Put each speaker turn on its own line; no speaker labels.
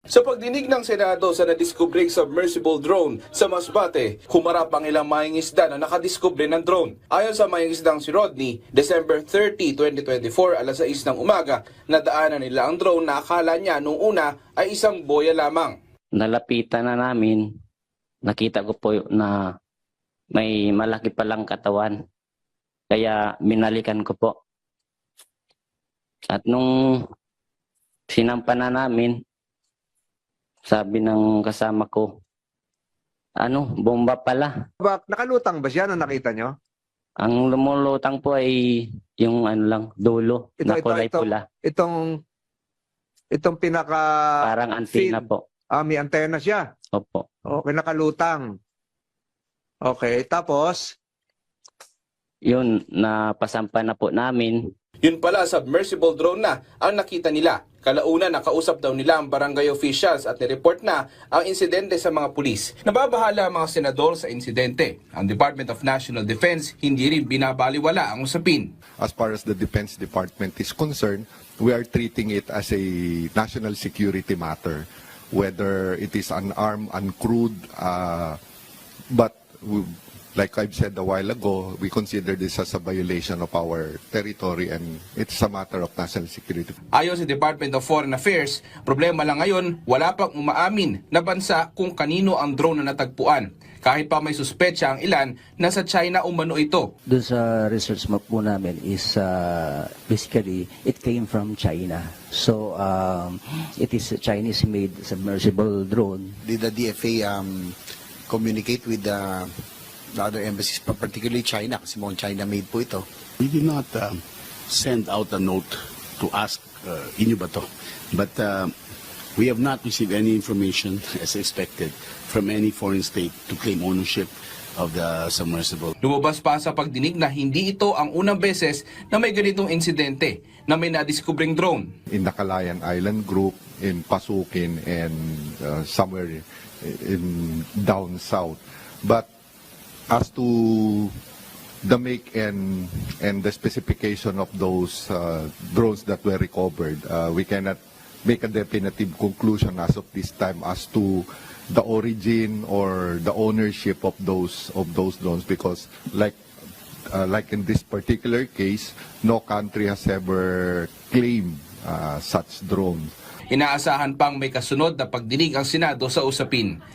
Sa pagdinig ng Senado sa nadiskubring submersible drone sa Masbate, humarap ang ilang mangingisda na nakadiskubre ng drone. Ayon sa mangingisdang si Rodney, December 30, 2024, alas 6 ng umaga, nadaanan nila ang drone na akala niya nung una ay isang boya lamang.
Nalapitan na namin, nakita ko po na may malaki palang katawan. Kaya binalikan ko po. At nung sinampa na namin, sabi ng kasama ko, bomba pala.
Nakalutang ba siya nung nakita nyo?
Ang lumulutang po ay yung dulo na kulay pula.
Itong pinaka...
Parang antenna po.
May antena siya.
Opo.
Okay, nakalutang. Okay, tapos?
Yun, napasampa na po namin.
Yun pala, submersible drone na ang nakita nila. Kalauna nakausap daw nila ang barangay officials at nireport na ang insidente sa mga pulis. Nababahala ang mga senador sa insidente. Ang Department of National Defense hindi rin binabaliwala ang usapin.
As far as the Defense Department is concerned, we are treating it as a national security matter, whether it is unarmed, uncrewed, but like I've said a while ago, we consider this as a violation of our territory and it's a matter of national security.
Ayon sa Department of Foreign Affairs, problema lang ngayon, wala pang umaamin na bansa kung kanino ang drone na natagpuan. Kahit pa may suspetsa ang ilan, nasa China umano ito.
Doon sa research map po namin is basically it came from China. So it is a Chinese-made submersible drone.
Did the DFA communicate with the other embassies, particularly China, kasi mukhang China-made po ito?
We did not send out a note to ask inyo ba to? But we have not received any information, as expected, from any foreign state to claim ownership of the submersible.
Lumabas pa sa pagdinig na hindi ito ang unang beses na may ganitong insidente na may nadiskubring drone.
In the Calayan Island Group, in Pasukin, and somewhere in down south. But as to the make and the specification of those drones that were recovered, we cannot make a definitive conclusion as of this time as to the origin or the ownership of those drones, because like in this particular case, no country has ever claimed such drones.
Inaasahan pang may kasunod na pagdinig ang Senado sa usapin.